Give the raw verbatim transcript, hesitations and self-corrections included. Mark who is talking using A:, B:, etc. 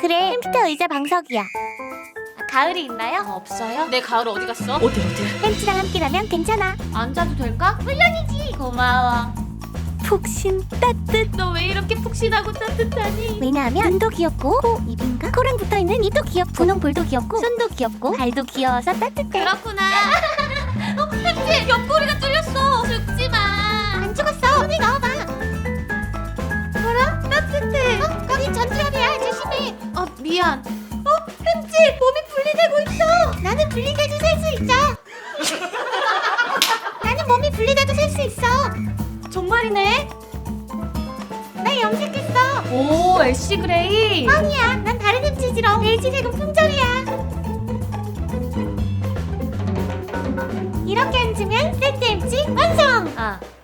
A: 그래, 햄스터 의자 방석이야.
B: 아, 가을이 있나요?
C: 어, 없어요? 내 가을 어디 갔어? 어디 어디?
A: 햄스랑 함께라면 괜찮아.
B: 앉아도 될까? 물론이지. 고마워.
A: 푹신 따뜻.
B: 너 왜 이렇게 푹신하고 따뜻하니?
A: 왜냐하면 눈도 귀엽고 코, 입인가? 코랑 붙어있는 입도 귀엽고 분홍 볼도 귀엽고 손도 귀엽고 발도 귀여워서 따뜻해.
B: 그렇구나. 어, 햄찌 옆구리가 뚫렸어. 죽지 마.
A: 안 죽었어. 손을 넣어봐.
B: 뭐라? 따뜻해.
A: 어? 거기 전투엽이야. 조심해.
B: 어, 미안. 어, 햄찌 몸이 분리되고 있어.
A: 나는 분리돼도 살 수 있어. 나는 몸이 분리돼도 살 수 있어.
B: 정말이네.
A: 나 염색했어.
B: 오, 애쉬 그레이.
A: 뻥이야. 난 다른 햄찌지롱. 베이지색은 품절이야. 이렇게 앉으면 세트 햄찌 완성.
B: 아,